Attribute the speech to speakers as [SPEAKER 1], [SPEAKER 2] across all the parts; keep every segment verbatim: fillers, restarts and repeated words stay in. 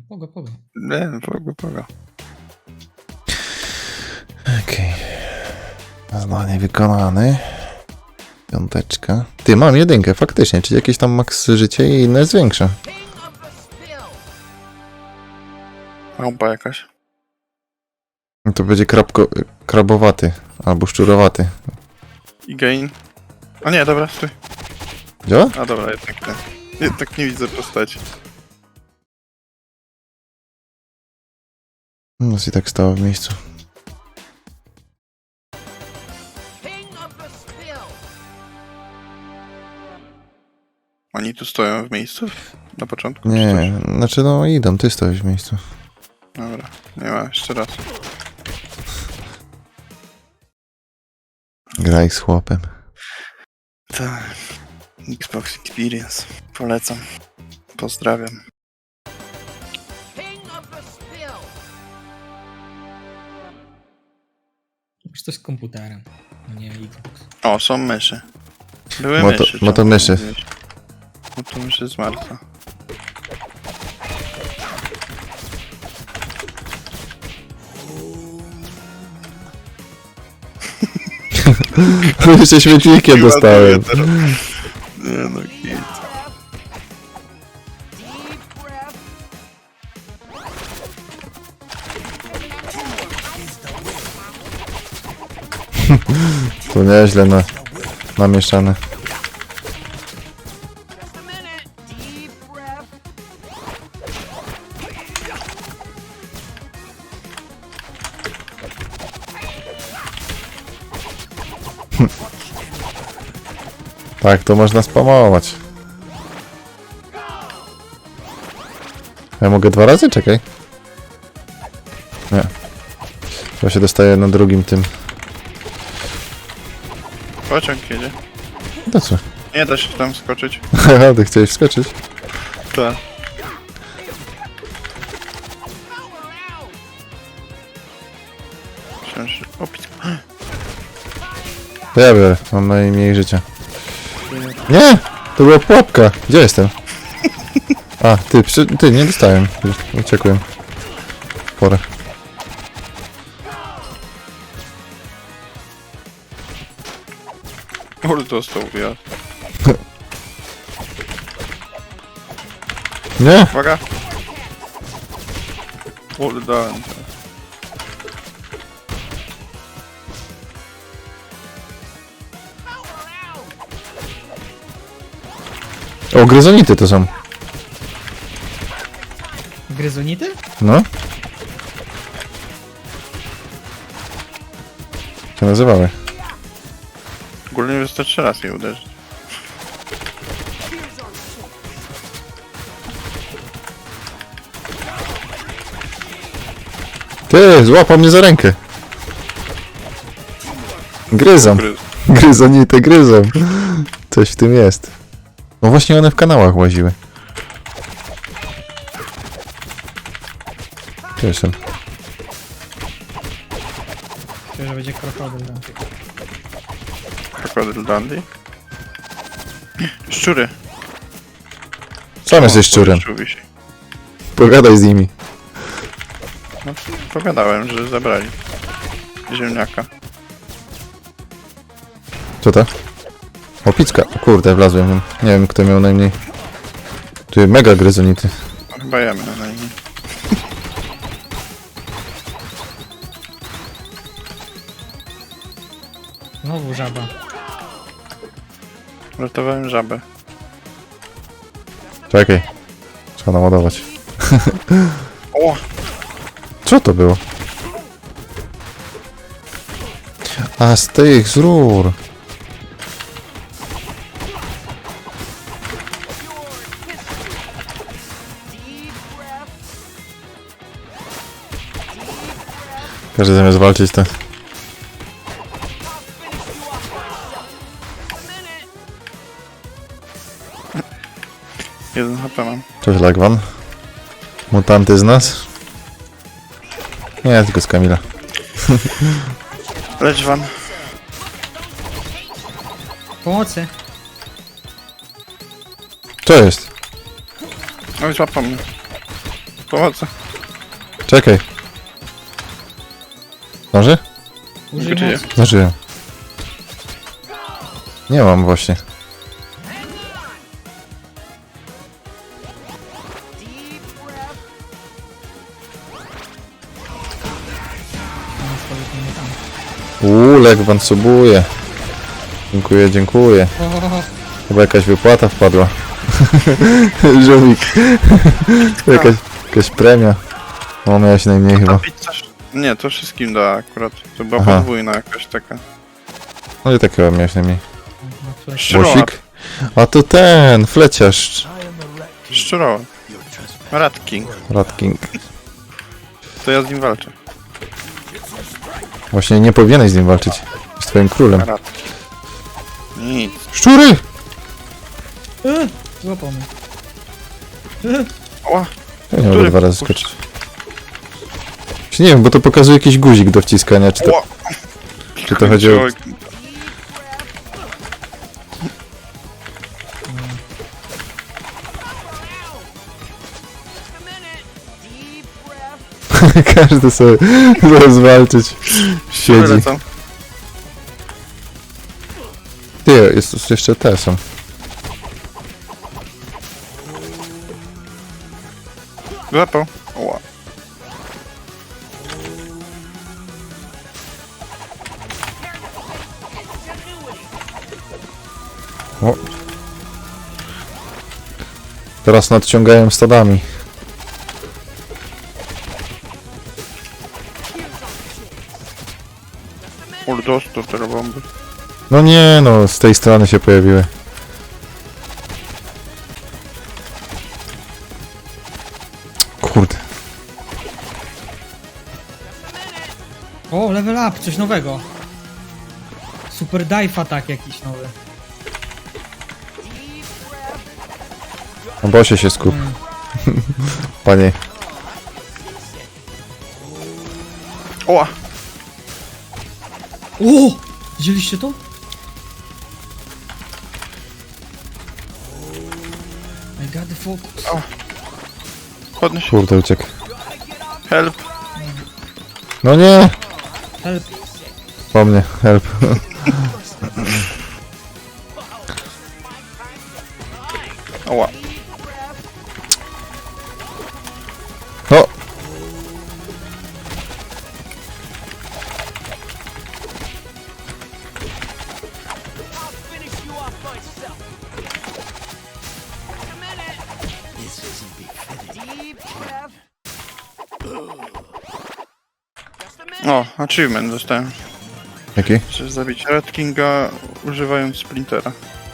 [SPEAKER 1] pogo, pogo.
[SPEAKER 2] Nie, pogo, pogo.
[SPEAKER 3] Okej. Okay. Zadanie wykonane. Piąteczka. Ty, mam jedynkę, faktycznie, czyli jakieś tam maks życie i inne jest większe.
[SPEAKER 2] Małpa jakaś.
[SPEAKER 3] No to będzie krabko, krabowaty, albo szczurowaty.
[SPEAKER 2] I gain. A nie, dobra, stój.
[SPEAKER 3] Działa?
[SPEAKER 2] A dobra, jednak nie. Jednak nie widzę postaci.
[SPEAKER 3] No i tak stało w miejscu.
[SPEAKER 2] Oni tu stoją w miejscu? Na początku? czy
[SPEAKER 3] Nie, znaczy no idą, ty stoisz w miejscu.
[SPEAKER 2] coś? Dobra, nie ma, jeszcze raz.
[SPEAKER 3] Graj z chłopem.
[SPEAKER 2] Tak. Xbox Experience. Polecam. Pozdrawiam.
[SPEAKER 1] Już coś z komputerem, no nie Xbox.
[SPEAKER 2] O, są myszy. Były
[SPEAKER 3] Moto-
[SPEAKER 2] myszy. czemu
[SPEAKER 3] motomyszy.
[SPEAKER 2] nie mówiłeś? Motomyszy z Marsa.
[SPEAKER 3] Jeszcze śmietnikiem dostałem.
[SPEAKER 2] Nie no, hit.
[SPEAKER 3] To nieźle na, namieszane. Tak, to można spamować. Ja mogę dwa razy? Czekaj. Nie. To się dostaje na drugim tym.
[SPEAKER 2] Pociąg jedzie.
[SPEAKER 3] To co?
[SPEAKER 2] Nie da się tam skoczyć.
[SPEAKER 3] Haha, ty chciałeś wskoczyć?
[SPEAKER 2] Tak. Myślałem, że... Opić.
[SPEAKER 3] To ja biorę, mam najmniej życia. Nie! To była pułapka! Gdzie jestem? A, ty, przy, ty, nie dostałem. Uciekłem. Porę.
[SPEAKER 2] Kurde, dostał ja.
[SPEAKER 3] Nie!
[SPEAKER 2] Uwaga! Kurde, dałem.
[SPEAKER 3] O, gryzonity to są.
[SPEAKER 1] Gryzonity?
[SPEAKER 3] No. Co nazywały?
[SPEAKER 2] Ogólnie wystarczy raz je uderzyć.
[SPEAKER 3] Ty, złapał mnie za rękę. Gryzą.
[SPEAKER 2] Gryz.
[SPEAKER 3] Gryzonity gryzą. Coś w tym jest. No właśnie one w kanałach łaziły. Cieszę.
[SPEAKER 1] Myślę, że będzie krokodyl tam.
[SPEAKER 2] Krokodyl Dandy. Szczury.
[SPEAKER 3] Sam jesteś szczurem.
[SPEAKER 2] Szczur wisi.
[SPEAKER 3] Pogadaj z nimi.
[SPEAKER 2] No, pogadałem, że zabrali ziemniaka.
[SPEAKER 3] Co to? O, picka. O kurde, wlazłem. Nie wiem, kto miał najmniej. Ty, mega gryzonity.
[SPEAKER 2] No, chyba jemy na nim.
[SPEAKER 1] Znowu żaba.
[SPEAKER 2] Ratowałem żabę.
[SPEAKER 3] Czekaj. Trzeba naładować.
[SPEAKER 2] O!
[SPEAKER 3] Co to było? A, z tych, z rur. Każdy zamiast walczyć to...
[SPEAKER 2] Jeden H P mam.
[SPEAKER 3] Cześć, Lagwan. Mutanty z nas? Nie, tylko z Kamila.
[SPEAKER 2] Lecz wam.
[SPEAKER 1] Pomocy!
[SPEAKER 3] Co jest?
[SPEAKER 2] No i złapał mnie. Pomocy.
[SPEAKER 3] Czekaj. Zdąży?
[SPEAKER 1] Użyj
[SPEAKER 2] Gdzie?
[SPEAKER 1] mocy.
[SPEAKER 3] Zdążyłem. Nie mam właśnie.
[SPEAKER 1] No, spokojnie, nie tam.
[SPEAKER 3] Uuu, Legwan subuje. Dziękuję, dziękuję.
[SPEAKER 1] O, o, o.
[SPEAKER 3] Chyba jakaś wypłata wpadła. Żółwik. jakaś, jakaś premia. O, miałeś najmniej
[SPEAKER 2] A
[SPEAKER 3] chyba.
[SPEAKER 2] pizza... Nie, to wszystkim da akurat. To była
[SPEAKER 3] Aha.
[SPEAKER 2] podwójna jakaś taka.
[SPEAKER 3] No i tak chyba miałeś najmniej.
[SPEAKER 1] No, flash.
[SPEAKER 2] Szczurołap.
[SPEAKER 3] Łosik? A to ten, fleciarz.
[SPEAKER 2] Szczurołap. Rat King.
[SPEAKER 3] Rat King.
[SPEAKER 2] To ja z nim walczę.
[SPEAKER 3] Właśnie nie powinieneś z nim walczyć. Z twoim królem.
[SPEAKER 2] Rat. Nic.
[SPEAKER 3] Szczury!
[SPEAKER 1] E, Złapał mnie. E,
[SPEAKER 2] Ła.
[SPEAKER 3] Ja nie mogę
[SPEAKER 2] Który?
[SPEAKER 3] dwa razy skoczyć. Czy nie wiem, bo to pokazuje jakiś guzik do wciskania, czy to,
[SPEAKER 2] Ła.
[SPEAKER 3] czy to chodzi o...
[SPEAKER 2] Człowiek.
[SPEAKER 3] Każdy sobie zaraz walczyć. Siedzi.
[SPEAKER 2] Wylecam.
[SPEAKER 3] Ty, jest tu jeszcze te są.
[SPEAKER 2] Złapał. Ła.
[SPEAKER 3] O. Teraz nadciągają stadami.
[SPEAKER 2] Ul dostał te bomby.
[SPEAKER 3] No nie no, z tej strony się pojawiły. Kurde.
[SPEAKER 1] O, level up, coś nowego. Super dive attack jakiś nowy.
[SPEAKER 3] Na bosie się skup.
[SPEAKER 1] Mm.
[SPEAKER 3] Panie.
[SPEAKER 2] Ła.
[SPEAKER 1] O! Widzieliście to? I got the focus.
[SPEAKER 2] Podnieś.
[SPEAKER 3] Kurde, uciekł.
[SPEAKER 2] Help.
[SPEAKER 3] No nie!
[SPEAKER 1] Help.
[SPEAKER 3] Po mnie, help.
[SPEAKER 2] Ła.
[SPEAKER 3] O!
[SPEAKER 2] O, achievement dostałem.
[SPEAKER 3] Jaki?
[SPEAKER 2] Chcesz zabić Rat Kinga używając splintera.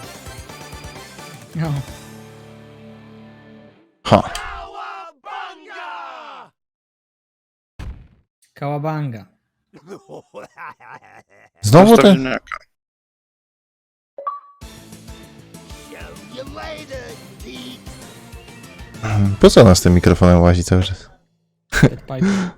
[SPEAKER 1] No.
[SPEAKER 3] Ha.
[SPEAKER 1] Kałabanga.
[SPEAKER 3] Znowu ten?
[SPEAKER 2] Postawieniaka.
[SPEAKER 3] Po co nas tym mikrofonem łazi cały czas?
[SPEAKER 1] Dead pipe.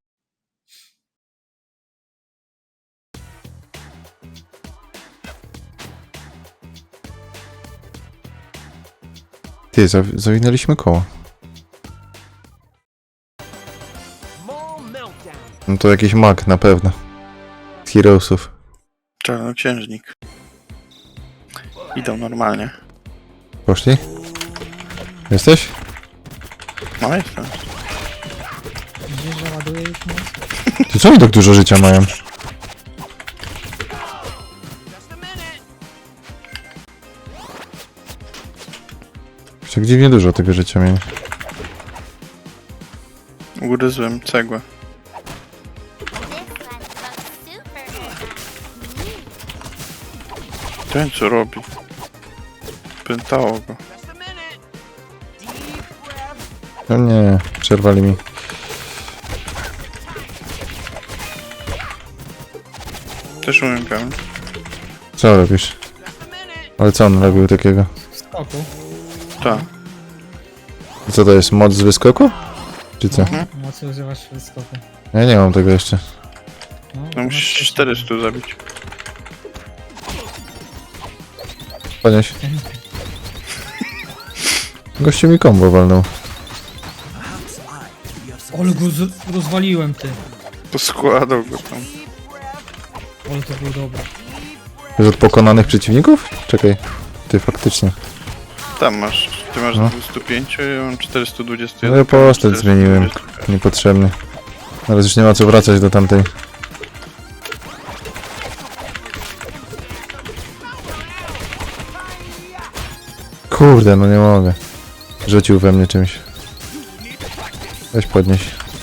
[SPEAKER 3] Ty, zaw zawinęliśmy koło. No to jakiś mag na pewno. Z Heroesów.
[SPEAKER 2] Czarnoksiężnik. Idą normalnie.
[SPEAKER 3] Poszli? Jesteś?
[SPEAKER 2] No jestem.
[SPEAKER 1] Widzisz, że ładuje już moc?
[SPEAKER 3] Ty co oni tak dużo życia mają? Już tak dziwnie dużo tego życia mieli.
[SPEAKER 2] Ugryzłem cegłę. Ten co robi? Pętało go.
[SPEAKER 3] No nie, przerwali mi.
[SPEAKER 2] Też umiem pełen.
[SPEAKER 3] Co robisz? Ale co on robił takiego?
[SPEAKER 1] W skoku.
[SPEAKER 2] Tak.
[SPEAKER 3] Co to jest, moc z wyskoku? Czy co?
[SPEAKER 2] Mhm.
[SPEAKER 1] Mocy używasz w skoku.
[SPEAKER 3] Ja nie mam tego jeszcze.
[SPEAKER 2] No
[SPEAKER 1] masz
[SPEAKER 2] musisz
[SPEAKER 1] coś
[SPEAKER 2] czterysta zabić.
[SPEAKER 3] Podnieś. Gościu mi kombo walnął.
[SPEAKER 1] Ale go z- rozwaliłem, ty.
[SPEAKER 2] Poskładał go tam.
[SPEAKER 1] Ale to było dobre.
[SPEAKER 3] Już od pokonanych przeciwników? Czekaj. Ty faktycznie.
[SPEAKER 2] Tam masz. Ty masz
[SPEAKER 3] No.
[SPEAKER 2] dwieście pięć, ja mam czterysta dwadzieścia
[SPEAKER 3] No
[SPEAKER 2] jeden.
[SPEAKER 3] ja postać zmieniłem. Niepotrzebny. Teraz już nie ma co wracać do tamtej. Kurde, no nie mogę. Rzucił we mnie czymś. Weź podnieś.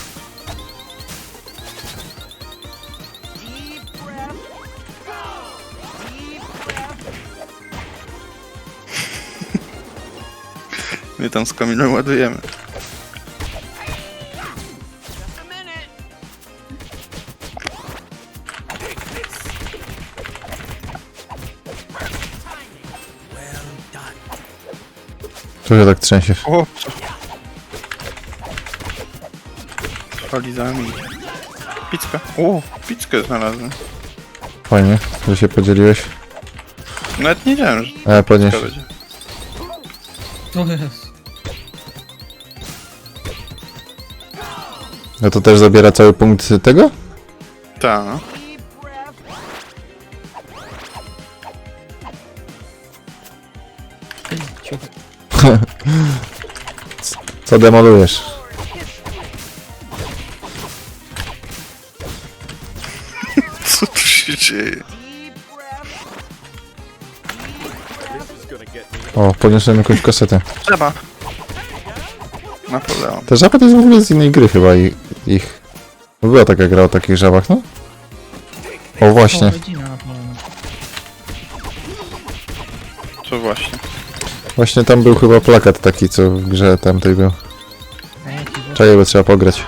[SPEAKER 2] My tam z Kamilą ładujemy.
[SPEAKER 3] Tu się tak trzęsie.
[SPEAKER 2] O! Falizami. Picka. O! Pizzkę znalazłem.
[SPEAKER 3] Fajnie, że się podzieliłeś.
[SPEAKER 2] Nawet nie wiedziałem, że
[SPEAKER 3] E, podnieś.
[SPEAKER 2] picka będzie.
[SPEAKER 1] To jest.
[SPEAKER 3] No to też zabiera cały punkt tego?
[SPEAKER 2] Ta, no.
[SPEAKER 1] Ciuch.
[SPEAKER 3] Co demolujesz?
[SPEAKER 2] Co tu się dzieje?
[SPEAKER 3] O, podniosłem jakąś kasetę.
[SPEAKER 2] Trzeba. Napoleon.
[SPEAKER 3] Ta żaba to jest w ogóle z innej gry chyba i ich. Bo była taka gra o takich żabach, no? O właśnie.
[SPEAKER 1] O, rodzina na pewno.
[SPEAKER 2] Co właśnie?
[SPEAKER 3] Właśnie tam był chyba plakat taki, co w grze tamtej był.
[SPEAKER 1] A jaki był?
[SPEAKER 3] Czaję, bo trzeba pograć.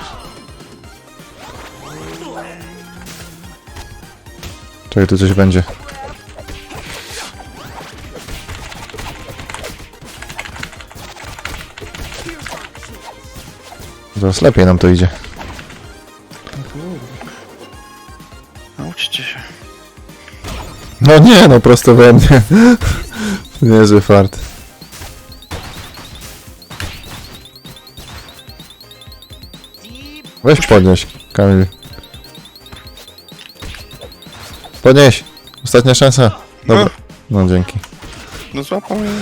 [SPEAKER 3] Czekaj, tu coś będzie. Zaraz lepiej nam to idzie.
[SPEAKER 1] No kurde.
[SPEAKER 2] Nauczcie się.
[SPEAKER 3] No nie, no prosto we mnie. Niezły fart. Weź podnieś, Kamil. Podnieś! Ostatnia szansa. Dobra. No dzięki.
[SPEAKER 2] No złapał mnie.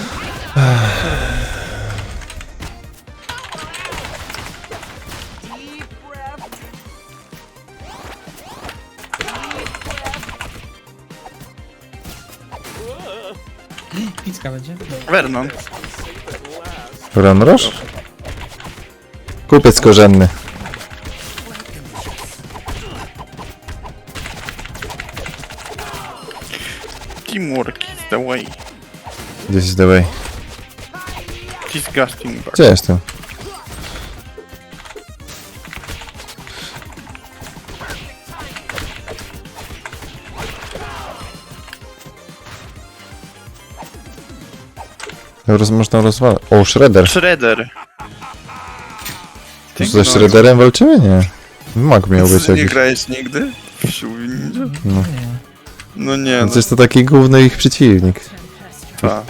[SPEAKER 1] Picka będzie?
[SPEAKER 2] Vernon.
[SPEAKER 3] Ranroż? Kupiec korzenny.
[SPEAKER 2] Teamwork is the way.
[SPEAKER 3] This is the way.
[SPEAKER 2] Disgusting bug.
[SPEAKER 3] Gdzie jestem? Roz, można rozwalać. O, Shredder.
[SPEAKER 2] Shredder.
[SPEAKER 3] To ze Shredderem walczymy? Nie. Mag miał być
[SPEAKER 2] Nie
[SPEAKER 3] jakiś.
[SPEAKER 2] grałeś nigdy? W Siły Ninja?
[SPEAKER 3] No.
[SPEAKER 1] Nie.
[SPEAKER 2] No nie, no
[SPEAKER 3] Przecież to taki główny ich przeciwnik.
[SPEAKER 2] ta.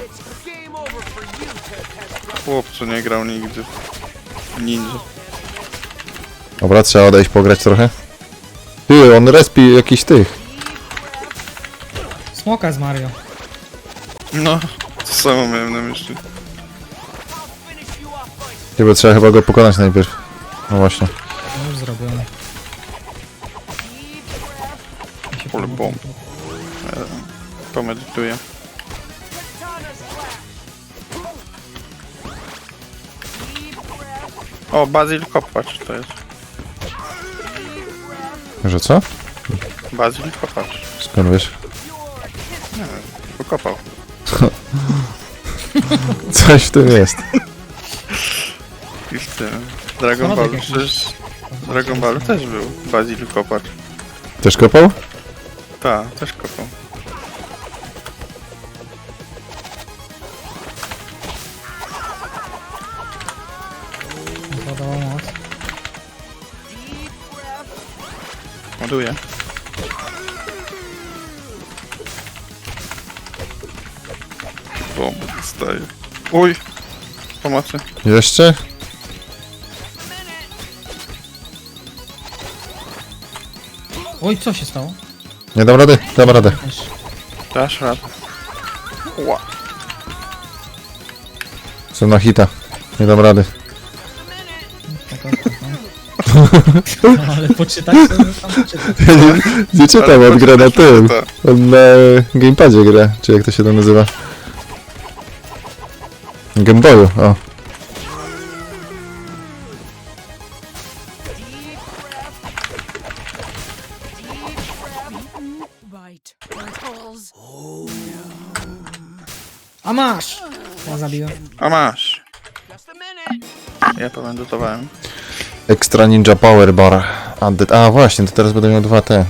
[SPEAKER 2] Chłopcu nie grał nigdy. w Ninja.
[SPEAKER 3] Dobra, trzeba odejść pograć trochę. Ty, on respi jakiś tych.
[SPEAKER 1] Smoka z Mario.
[SPEAKER 2] No, to samo miałem na myśli.
[SPEAKER 3] Ty, bo trzeba chyba go pokonać najpierw. No właśnie.
[SPEAKER 1] No już zrobione. Ja się
[SPEAKER 2] Pole
[SPEAKER 1] pomogę.
[SPEAKER 2] bomb. E, Pomedytuję. O, Basil Kopacz to jest.
[SPEAKER 3] Że co?
[SPEAKER 2] Basil Kopacz.
[SPEAKER 3] Skąd wiesz?
[SPEAKER 2] Nie wiem, wykopał.
[SPEAKER 3] Coś w tym jest.
[SPEAKER 2] I w tym. Dragon
[SPEAKER 1] Samochód
[SPEAKER 2] Ball
[SPEAKER 1] jakiś.
[SPEAKER 2] przecież... W Dragon Ballu też był Basil Kopacz.
[SPEAKER 3] Też kopał?
[SPEAKER 2] Ta, też kopał.
[SPEAKER 1] Podała moc.
[SPEAKER 2] Ładuję. Bomby dostaję. Uj! Pomocy.
[SPEAKER 3] Jeszcze?
[SPEAKER 1] Oj, co się stało?
[SPEAKER 3] Nie dam rady, dam radę.
[SPEAKER 1] Też.
[SPEAKER 2] Dasz radę. Ła.
[SPEAKER 3] Jestem na hita. Nie dam rady.
[SPEAKER 1] No, ale poczytać to tam poczytać.
[SPEAKER 3] Ja nie, nie czytam,
[SPEAKER 2] Ale
[SPEAKER 3] on gra na
[SPEAKER 2] poczytaj,
[SPEAKER 3] tym.
[SPEAKER 2] to-
[SPEAKER 3] On na gamepadzie gra, czy jak to się tam nazywa. Gameboyu, o.
[SPEAKER 4] Right. Holes.
[SPEAKER 1] A masz! Ja zabiłem.
[SPEAKER 2] A masz. Ja powędrutowałem.
[SPEAKER 3] Extra Ninja Power Bar. Added. A właśnie, to teraz będę miał dwa te.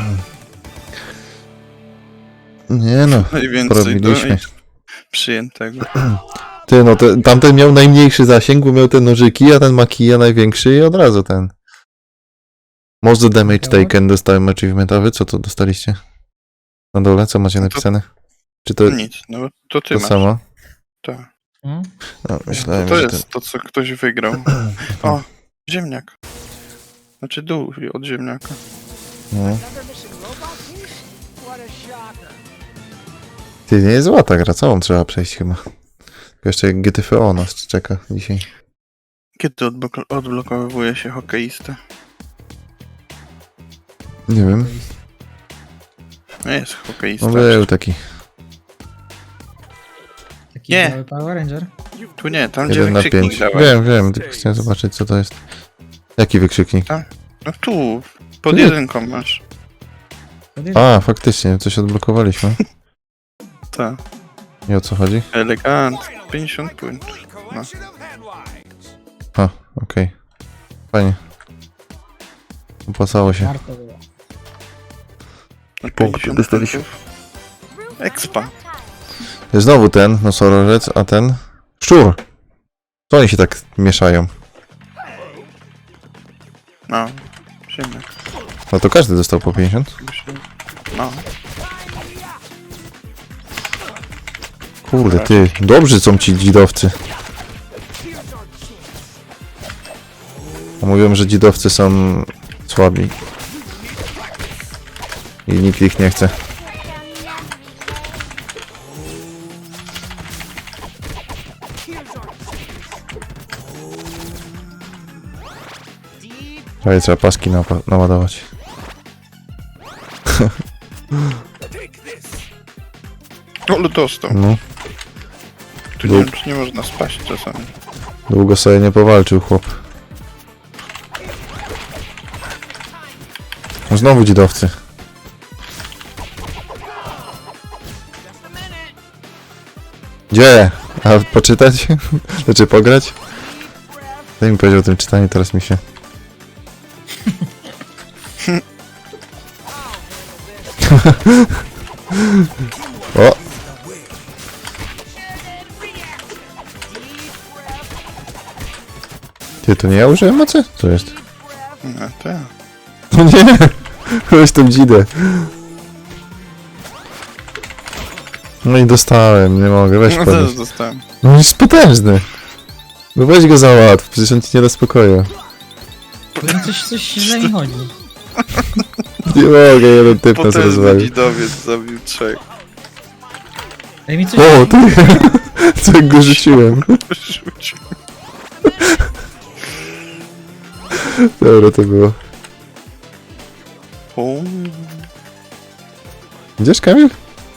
[SPEAKER 3] Nie no,
[SPEAKER 2] Najwięcej
[SPEAKER 3] porobiliśmy.
[SPEAKER 2] do przyjętego.
[SPEAKER 3] Ty no, te, tamten miał najmniejszy zasięg, bo miał te nożyki, a ten ma kija największy i od razu ten. Most the damage taken dostałem achievementowy, co to dostaliście? Na dole, co macie napisane? Czy to
[SPEAKER 2] Nic, no bo to ty
[SPEAKER 3] to
[SPEAKER 2] masz.
[SPEAKER 3] samo?
[SPEAKER 2] Tak.
[SPEAKER 1] No.
[SPEAKER 3] No, myślałem,
[SPEAKER 2] To
[SPEAKER 3] że
[SPEAKER 2] jest to, co ktoś wygrał. O, ziemniak. Znaczy dół od ziemniaka.
[SPEAKER 3] ten... No. Ty, nie jest zła ta gra, całą trzeba przejść chyba. Tylko jeszcze G T F O nas czeka dzisiaj.
[SPEAKER 2] Kiedy odblok- odblokowuje się hokeista?
[SPEAKER 3] Nie wiem,
[SPEAKER 2] No jest hokeista.
[SPEAKER 3] no był taki.
[SPEAKER 1] Taki
[SPEAKER 2] Nie.
[SPEAKER 1] biały Power Ranger.
[SPEAKER 2] Tu nie, tam gdzie
[SPEAKER 3] jeden na
[SPEAKER 2] wykrzyknik
[SPEAKER 3] pięć.
[SPEAKER 2] dałem.
[SPEAKER 3] Wiem, wiem, tylko chciałem zobaczyć co to jest. Jaki wykrzyknik?
[SPEAKER 2] No tu, pod
[SPEAKER 3] Nie.
[SPEAKER 2] jedynką masz.
[SPEAKER 3] A, faktycznie, coś odblokowaliśmy.
[SPEAKER 2] Tak.
[SPEAKER 3] I o co chodzi?
[SPEAKER 2] Elegant. pięćdziesiąt punktów. No.
[SPEAKER 3] A, okej. Fajnie. Opłacało się.
[SPEAKER 1] Warto było.
[SPEAKER 2] No,
[SPEAKER 3] Punkty
[SPEAKER 2] pięćdziesiąt
[SPEAKER 3] dostaliśmy.
[SPEAKER 2] punktów. Expa.
[SPEAKER 3] Znowu ten nosorożec, a ten szczur. Co oni się tak mieszają?
[SPEAKER 2] No. Ziemniak.
[SPEAKER 3] No to każdy dostał po pięćdziesiąt.
[SPEAKER 2] No.
[SPEAKER 3] Kurde, ty, dobrzy są ci dzidowcy. A mówią, że dzidowcy są słabi. I nikt ich nie chce. Prawie trzeba paski napa- naładować.
[SPEAKER 2] Ale dostał.
[SPEAKER 3] No,
[SPEAKER 2] Tu nie wiem, czy nie można spaść czasami.
[SPEAKER 3] długo sobie nie powalczył chłop. No znowu dzidowcy. Gdzie? A poczytać? Znaczy pograć? Daj mi powiedział o tym czytaniu, teraz mi się... O! Ty, to nie ja użyłem mocy? Co jest?
[SPEAKER 2] No tak.
[SPEAKER 3] No nie! Weź tą dzidę. No i dostałem, nie mogę, weź
[SPEAKER 2] No
[SPEAKER 3] podnieś.
[SPEAKER 2] też dostałem.
[SPEAKER 3] No on jest potężny. No weź go załatw, przecież on ci nie da spokoju.
[SPEAKER 1] Powiem, coś, coś źle mi chodzi.
[SPEAKER 3] Nie mogę, jeden typ nas
[SPEAKER 2] Potężny
[SPEAKER 3] rozwalił.
[SPEAKER 2] dzidowiec zabił trzech.
[SPEAKER 1] Daj mi coś...
[SPEAKER 3] O, ty! Co jak go rzuciłem.
[SPEAKER 2] Rzucił.
[SPEAKER 3] Dobra, to było.
[SPEAKER 2] O,
[SPEAKER 3] Idziesz, Kamil?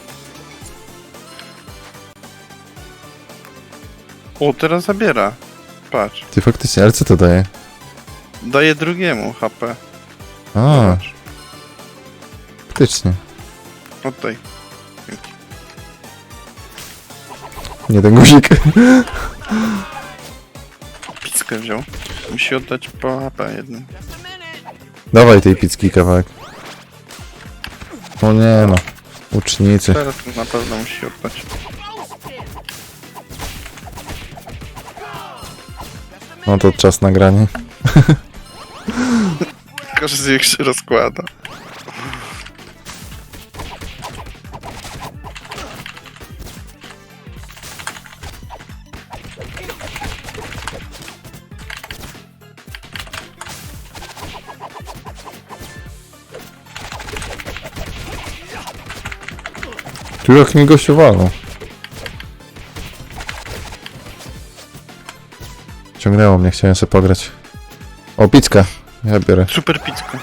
[SPEAKER 2] o, teraz zabiera. Patrz.
[SPEAKER 3] Ty faktycznie, ale co to daje?
[SPEAKER 2] Daje drugiemu H P.
[SPEAKER 3] A,
[SPEAKER 2] Zobacz.
[SPEAKER 3] faktycznie.
[SPEAKER 2] Oddaj.
[SPEAKER 3] Nie ten guzik.
[SPEAKER 2] Pizzkę wziął. Musi oddać po H P jednym.
[SPEAKER 3] Dawaj tej pizzki kawałek. O nie no. Ucznicy.
[SPEAKER 2] Teraz na pewno musi oddać.
[SPEAKER 3] No to czas nagrania.
[SPEAKER 2] Każdy z nich się rozkłada.
[SPEAKER 3] Tu jak mi gościu walą. Ciągnęło mnie, chciałem sobie pograć. O, picka. Ja biorę.
[SPEAKER 2] Super pizka.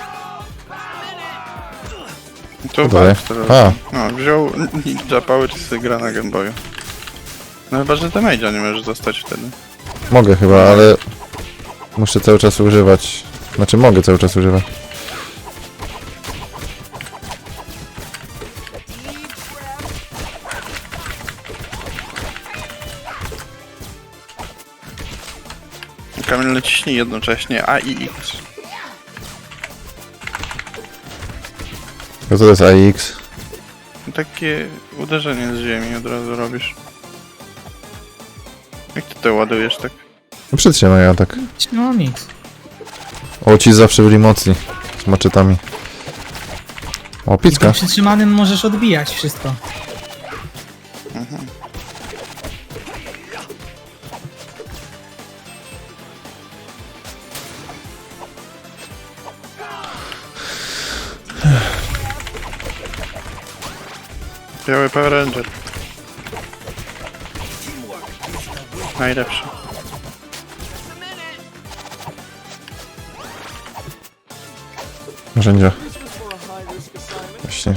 [SPEAKER 2] To
[SPEAKER 3] Co daje?
[SPEAKER 2] walcz teraz.
[SPEAKER 3] A.
[SPEAKER 2] No, wziął Ninja Power i sobie gra na Game Boyu. No chyba, że damage'a nie możesz dostać wtedy.
[SPEAKER 3] Mogę chyba, ale... Muszę cały czas używać. Znaczy mogę cały czas używać.
[SPEAKER 2] Kamil, naciśnij jednocześnie A i X.
[SPEAKER 3] No to jest A X.
[SPEAKER 2] Takie uderzenie z ziemi od razu robisz. Jak ty to ładujesz tak?
[SPEAKER 3] No przytrzymaj atak.
[SPEAKER 1] No nic.
[SPEAKER 3] O, ci zawsze byli mocni. Z maczetami. O,
[SPEAKER 1] I
[SPEAKER 3] picka.
[SPEAKER 1] tym przytrzymanym możesz odbijać wszystko.
[SPEAKER 2] Biały Power Ranger. Najlepszy.
[SPEAKER 3] Narzędzia. Właśnie.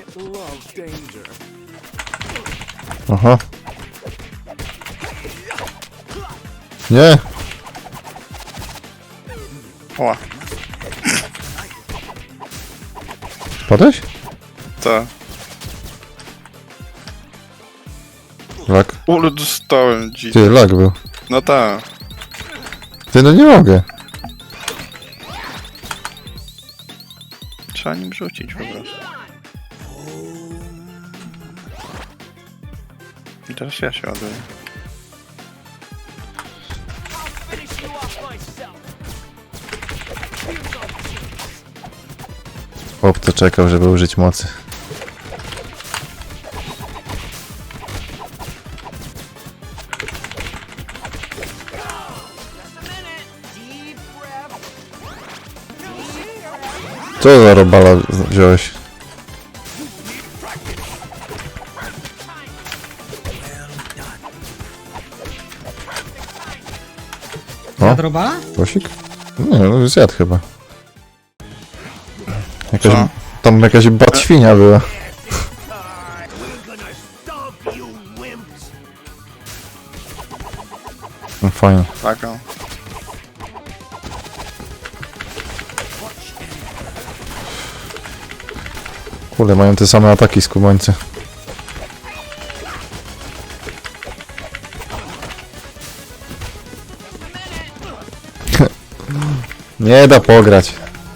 [SPEAKER 3] Aha. Nie!
[SPEAKER 2] Oła.
[SPEAKER 3] Padłeś?
[SPEAKER 2] Co?
[SPEAKER 3] Lag.
[SPEAKER 2] Ule dostałem dzi.
[SPEAKER 3] Ty, lag był.
[SPEAKER 2] No tak.
[SPEAKER 3] Ty, no nie mogę.
[SPEAKER 2] Trzeba nim rzucić po prostu. I teraz ja się ładuję.
[SPEAKER 3] Chłop to czekał, żeby użyć mocy. Co za robala wziąłeś? O,
[SPEAKER 1] Jadrobala?
[SPEAKER 3] głosik? Nie, no zjadł chyba. Jakaś,
[SPEAKER 2] Co?
[SPEAKER 3] tam jakaś batświnia była. No fajnie.
[SPEAKER 2] Taką.
[SPEAKER 3] Kurde, mają te same ataki skubańcy. Nie da pograć.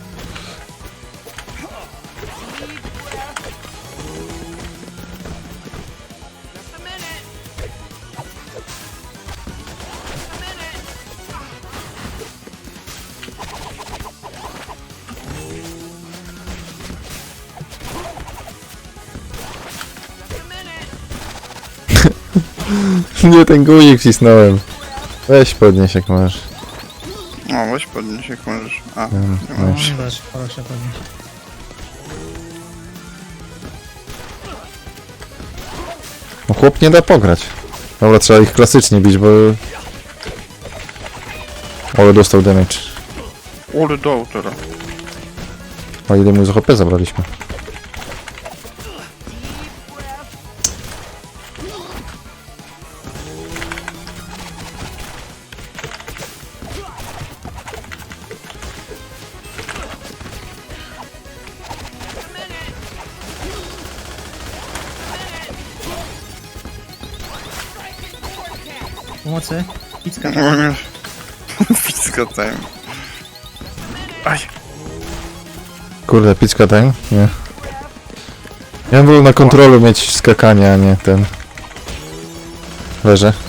[SPEAKER 3] Nie, ten guzik wcisnąłem. Weź podnieś jak możesz.
[SPEAKER 2] O, weź podnieś jak możesz. A,
[SPEAKER 3] Mm,
[SPEAKER 2] nie
[SPEAKER 3] no.
[SPEAKER 2] możesz.
[SPEAKER 1] Nie dasz, proszę podnieść.
[SPEAKER 3] No chłop nie da pograć. Dobra, trzeba ich klasycznie bić, bo... Ale dostał damage.
[SPEAKER 2] Ule do autora.
[SPEAKER 3] A ile mu z H P zabraliśmy?
[SPEAKER 1] Pomocy. Picka.
[SPEAKER 2] Pizka time. Aj.
[SPEAKER 3] Kurde, picka ten? Nie. Ja bym wolał na kontrolu mieć skakanie, a nie ten... Leżę.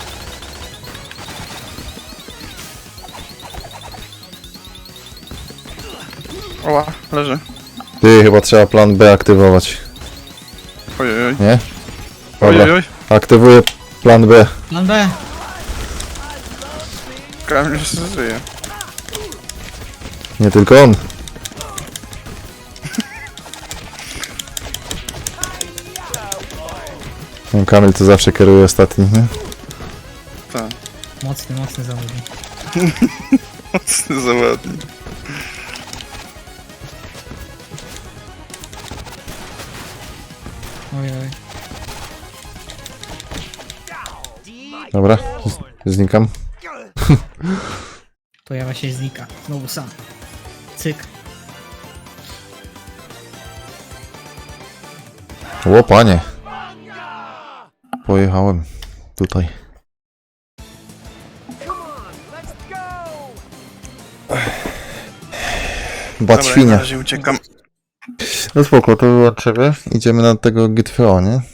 [SPEAKER 2] Oła, leży.
[SPEAKER 3] Ty, chyba trzeba plan B aktywować.
[SPEAKER 2] Ojej,
[SPEAKER 3] Nie? Dobra,
[SPEAKER 2] ojej.
[SPEAKER 3] aktywuję plan B.
[SPEAKER 1] Plan B.
[SPEAKER 2] Kamil się żyje.
[SPEAKER 3] Nie tylko on. No, Kamil to zawsze kieruje ostatni, nie?
[SPEAKER 2] Tak.
[SPEAKER 1] Mocny, mocny zawodnik.
[SPEAKER 2] Mocny zawodnik.
[SPEAKER 1] Oj, oj.
[SPEAKER 3] Dobra, z- znikam.
[SPEAKER 1] Pojawia się znika. Znowu sam. Cyk.
[SPEAKER 3] O panie. Pojechałem tutaj.
[SPEAKER 2] Dobra,
[SPEAKER 3] Bat świnia.
[SPEAKER 2] ja na razie uciekam.
[SPEAKER 3] No spoko, to było od ciebie. Idziemy na tego G T V O, nie?